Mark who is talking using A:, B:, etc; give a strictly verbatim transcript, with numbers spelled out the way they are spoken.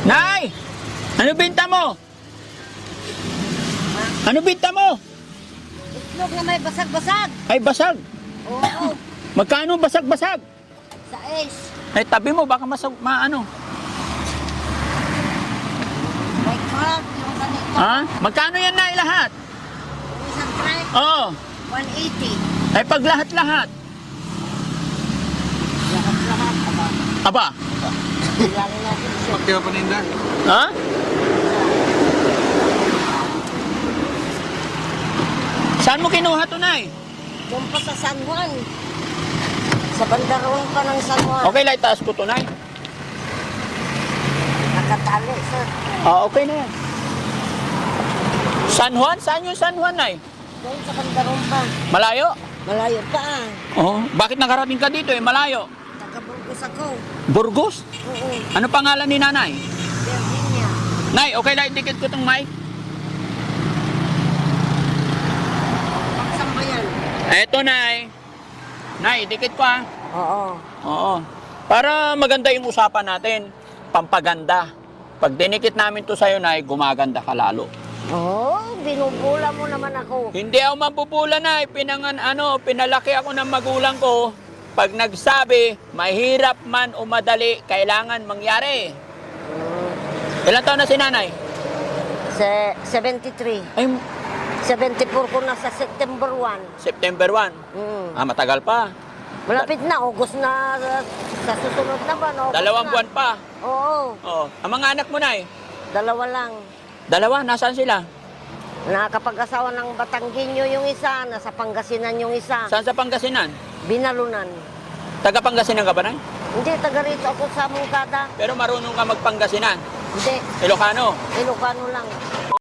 A: Nay! Ano binta mo? Ano binta mo?
B: Itlog na may basag-basag.
A: Ay, basag.
B: Oo.
A: Magkano basag-basag?
B: Sa ace.
A: Ay, tabi mo, baka masag, maano.
B: May crab. Yung ganito.
A: Ha? Magkano yan na lahat?
B: Yung isang tray.
A: Oo.
B: one eighty.
A: Ay, pag lahat-lahat.
B: Lahat-lahat. Aba.
A: Aba.
B: Bilangin natin siya.
C: Pagkaya paninda.
A: Ha? Saan mo kinuha to, Nay?
B: Doon pa sa San Juan. Sa bandaron pa ng San Juan.
A: Okay, lang, itaas ko to, Nay.
B: Nakatali, sir.
A: Ah, okay na yan. San Juan? Saan yung San Juan, Nay?
B: Doon sa bandaron pa.
A: Malayo?
B: Malayo pa ah.
A: Oo. Bakit nakarating ka dito eh? Malayo.
B: Taga-Burgos ako.
A: Burgos?
B: Oo.
A: Ano pangalan ni Nanay?
B: Virginia.
A: Nay, okay lang, dikit ko tong mic.
B: Paksang ba yan?
A: Eto, Nay. Nay, dikit ko ah.
B: Oo.
A: Oo. Para maganda yung usapan natin. Pampaganda. Pag dinikit namin to sa'yo, Nay, gumaganda ka lalo.
B: Oo, binubula mo naman ako.
A: Hindi ako mapupula, Nay. Pinangan, ano, pinalaki ako ng magulang ko. Pag nagsabi, mahirap man o madali, kailangan mangyari.
B: Hmm.
A: Ilan taon na si Nanay?
B: Se seventy-three.
A: Ay,
B: seventy-four ko na sa September one.
A: September first.
B: Mm.
A: Ah, matagal pa.
B: Malapit na, August na, uh, sa susunod na ba? No? August
A: Dalawang
B: na.
A: buwan pa.
B: Oo,
A: Oo. Ang mga anak mo, Nay?
B: dalawa lang.
A: Dalawa, nasaan sila?
B: Nakakapag-asawa ng Batangginyo yung isa, nasa Pangasinan yung isa.
A: Saan sa Pangasinan?
B: Binalunan.
A: Taga Pangasinan ka ba, Nay?
B: Hindi, taga rito ako sa Mungkada.
A: Pero marunong ka magpangasinan.
B: Hindi,
A: Ilocano.
B: Ilocano lang.